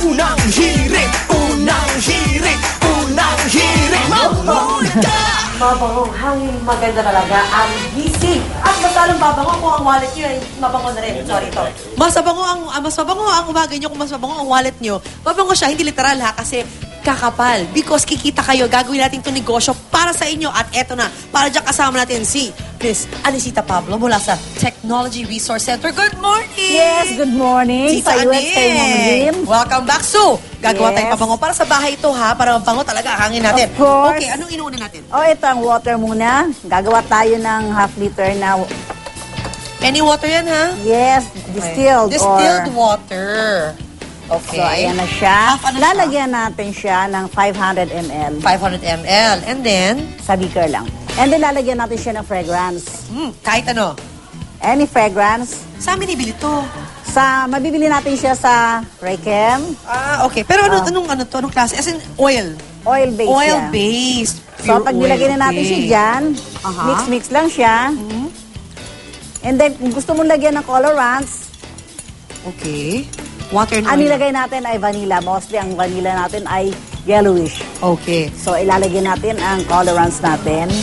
Unang hirit, unang hirit, unang hirit, mamulika! Mabangong hangin, maganda talaga ang gising. At mas lalong babango kung ang wallet nyo ay mabango na rin. Sorry, ito. Mas mabango ang umaga nyo kung mas mabango ang wallet nyo. Mabango siya, hindi literal ha, kasi kakapal. Because kikita kayo, gagawin natin itong negosyo para sa inyo. At eto na, para dyan kasama natin si Miss Anisita Pablo mula sa Technology Resource Center. Good morning! Yes, good morning. Tita Sa US kayo Anin. Welcome back. So, gagawa tayong Yes. pabango para sa bahay ito ha, para mabango talaga ang hangin natin. Of course. Okay, anong inuuna natin? Oh, ito ang water muna. Gagawa tayo ng half liter na, Any water yan ha? yes, distilled. Distilled or, water. Okay. So, ayan na siya. Half ano siya? Lalagyan natin siya ng 500 ml 500 ml. And then, sa beaker lang. And then, lalagyan natin siya ng fragrance. kahit ano. Any fragrance. Sa amin ibili to. Mabibili natin siya sa Raychem. Ah, okay. Pero anong klase? As in, oil. Oil-based siya. Oil-based. So, Pure pag nilagay na natin siya oil-based. dyan, Aha. mix-mix lang siya. And then, kung gusto mong lagyan ng colorants, Okay. Water and ang oil. nilagay natin ay vanilla. Mostly, ang vanilla natin ay yellowish. Okay. So, ilalagay natin ang colorants natin.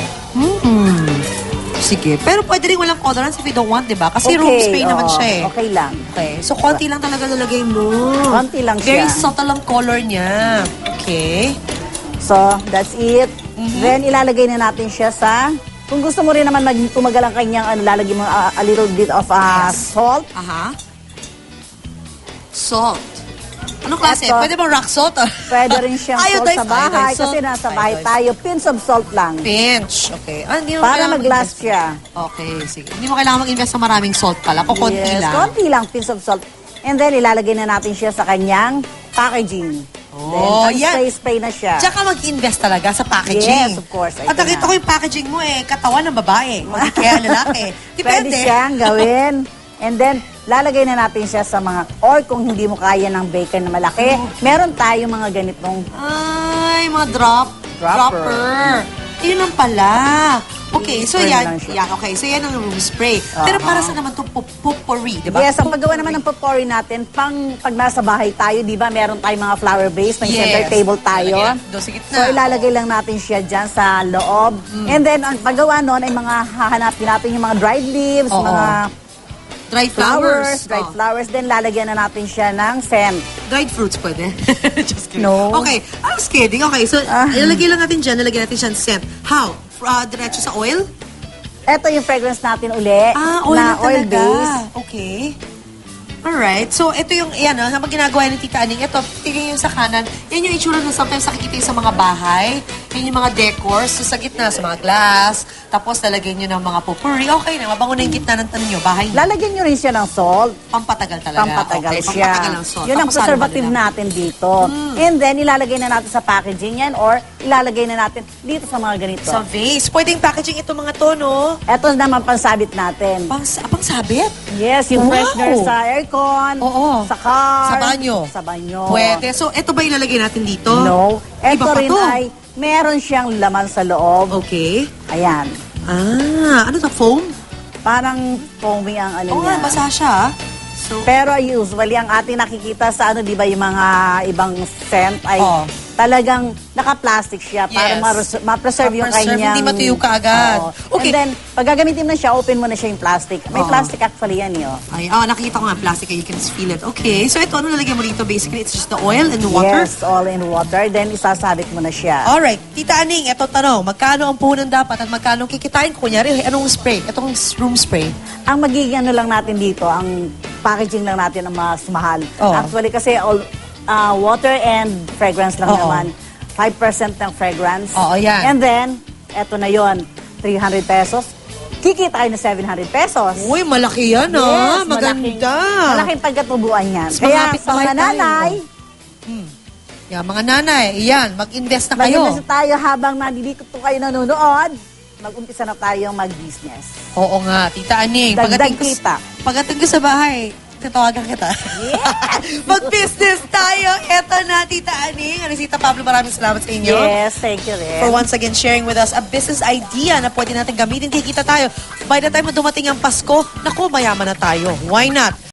Sige. Pero pwede rin walang colorants if you don't want, di ba? Kasi room spray naman oo, siya eh. Okay lang. Okay. So, konti lang talaga nalagay mo. Konti lang Very siya. subtle ang color niya. Okay. So, that's it. Then, ilalagay na natin siya sa... Kung gusto mo rin naman tumagal ang kanyang, lalagay mo a little bit of Yes. salt. Aha. Salt. Anong klase? Eto. Pwede bang rock salt? Pwede rin siyang salt Iodized, sa bahay iodized kasi salt. nasa bahay Iodized. tayo. Pinch of salt lang. Pinch. Okay. Hindi mo Para kailangan mag-last mag-invest. siya. Okay, sige. Hindi mo kailangan mag-invest sa maraming salt pala. Kukunti Yes, lang. konti lang, pinch of salt. And then, ilalagay na natin siya sa kanyang packaging. Oh, then, yan. spray na siya. Diyan ka mag-invest talaga sa packaging. Yes, of course. At Ito nakita na. ko yung packaging mo katawan ng babae. O di kaya lalaki. Pwede Depende. siyang gawin. And then, lalagay na natin siya sa mga, or kung hindi mo kaya ng bacon na malaki, meron tayo mga ganitong, Ay, mga Dropper. dropper. Yun ang pala. Okay, so Spray yan. lang siya. Okay, so yan ang room spray. Pero para sa naman itong potpourri, di ba? yes, ang paggawa naman ng potpourri natin, pag nasa bahay tayo, di ba, meron tayong mga flower base, may center table tayo. Lalagyan doon sa gitna. So, ilalagay lang natin siya dyan sa loob. And then, ang paggawa nun ay mga hahanapin natin yung mga dried leaves, Oo. mga Dried flowers. dried Oh. flowers. Then, lalagyan na natin siya ng scent. Dried fruits pwede. Just kidding. No. Okay, I was kidding. Okay, so ilalagay lang natin dyan, nalagyan natin siya ng scent. How? Diretso sa oil? Ito yung fragrance natin uli, Oil na na talaga. oil-based. Okay. Alright. So, ito yung, habang ginagawa ni Tita Aning, ito, tingin yung sa kanan, yan yung itsura na sometimes nakikita yung sa mga bahay. Yan yung mga decors. So, sa gitna, sa mga glass. Tapos, lalagyan nyo ng mga potpourri. Okay na, mabango na yung gitna ng tanong nyo. Bahay nyo. Lalagyan nyo rin siya ng salt. Pampatagal talaga. Pampatagal Okay, siya. Pampatagal ang salt. Yun ang Tapos, preservative halo-halo lang. natin dito. And then, ilalagay na natin sa packaging yan or ilalagay na natin dito sa mga ganito. Sa vase. Pwedeng packaging ito mga to, no? Ito naman pansabit natin. Pangsabit? Yes, yung Wow. freshener sa aircon, Oo. sa car, Sa banyo. Sa banyo. Pwede. So, ito ba ilalagay natin dito? No. Ito Iba pa rin to. ay meron siyang laman sa loob. Okay. Ayan. Ano to? Foam? Parang foamy ang ano Oo nga, niya. basa siya. So, Pero usually, ang ating nakikita sa di ba, yung mga ibang scent ay Oo. talagang naka-plastic siya para Yes. ma-preserve yung Ma-preserve, kanyang... hindi matuyo kaagad. Oo. Okay. And then, pag gagamitin mo na siya, open mo na siya yung plastic. May Oo. plastic actually yan yun. ay, nakikita ko nga plastic, you can feel it. Okay, so ito, ano nalagyan mo dito? Basically, it's just the oil and the water? Yes, all in water. Then, isasabit mo na siya. Alright, Tita Aning, ito tanong, magkano ang puhunan dapat at magkano ang kikitain ko? Kunyari, anong spray? Itong room spray. Ang magiging ano lang natin dito, ang packaging lang natin ang mas mahal. Oo. Actually, kasi all water and fragrance lang Oo. naman. 5% ng fragrance. Oo, yan. And then, eto na yon 300 pesos. Kikita kayo ng 700 pesos. Uy, malaki yan, Yes, Maganda. Malaking pagkatubuan yan. Mas Kaya malapit sa bahay mga tayo. nanay, Yan, mga nanay, iyan, mag-invest na kayo. mag-invest tayo habang nandito kayo nanonood. Mag-umpisa na tayong mag-business. Oo nga, Tita Aning. Dagdag kita. Pagdating ko sa bahay, tatawagan kita. Mag-business tayo. Eto na, Tita Aning. Anisita Pablo, maraming salamat sa inyo. Yes, thank you rin. For once again sharing with us a business idea na pwede natin gamitin. Kikita tayo. By the time na dumating ang Pasko, naku, mayaman na tayo. Why not?